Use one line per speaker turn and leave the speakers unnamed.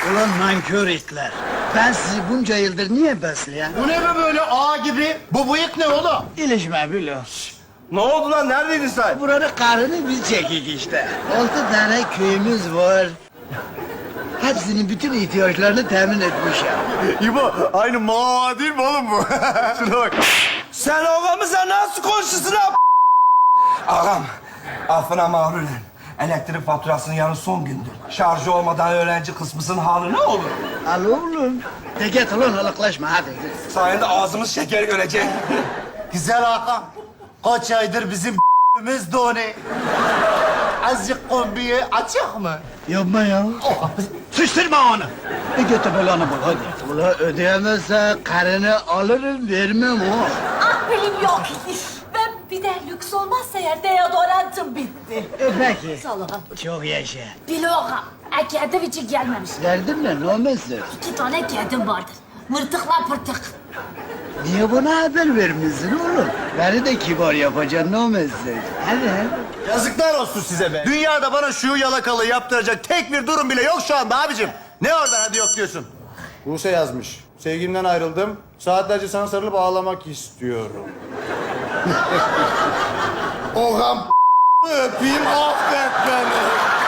Ulan nankör itler. Ben sizi bunca yıldır niye besleyen?
Bu ne be böyle ağa gibi? Bu bıyık ne oğlum?
İlişme bilo.
Ne oldu lan? Neredeydin sen?
Buranın karını biz çekik işte. 6 tane köyümüz var. Hepsinin bütün ihtiyaçlarını temin etmişim.
İbo, aynı mağara değil mi oğlum bu? Şuna bak. Sen ağamıza nasıl konuşuyorsun lan? Ağam, affına mağrulen. Elektrik faturasının yarın son gündür. Şarjı olmadan öğrenci kısmısının hali ne olur?
Al oğlum. De git ulan halıklaşma hadi.
Sayende ağzımız şeker görecek.
Güzel Hakan. Kaç aydır bizim b***miz doni. Azıcık kombiyi açık mı?
Yapma ya. Sıçtırma onu. Götü belanı bul hadi. Ula ödeyemezse karını alırım vermem o.
Akbilim yok imiş. Ben bir de lüks olmazsa eğer deodorantım bitti.
Peki.
Sağ ol.
Çok yaşa.
Biloğam, kedim için gelmemiş.
Derdin ne? Ne olmazsın?
2 tane kedim vardır. Mırtıkla pırtık.
Niye bana haber vermişsin oğlum? Beni de kibar yapacaksın ne olmazsın? Hadi.
Yazıklar olsun size be. Dünyada bana şu yalakalığı yaptıracak tek bir durum bile yok şu anda abicim. Ne oradan hadi yok diyorsun.
Buse yazmış. Sevgilimden ayrıldım. Saatlerce sana sarılıp ağlamak istiyorum.
Oğam öpeyim affet beni.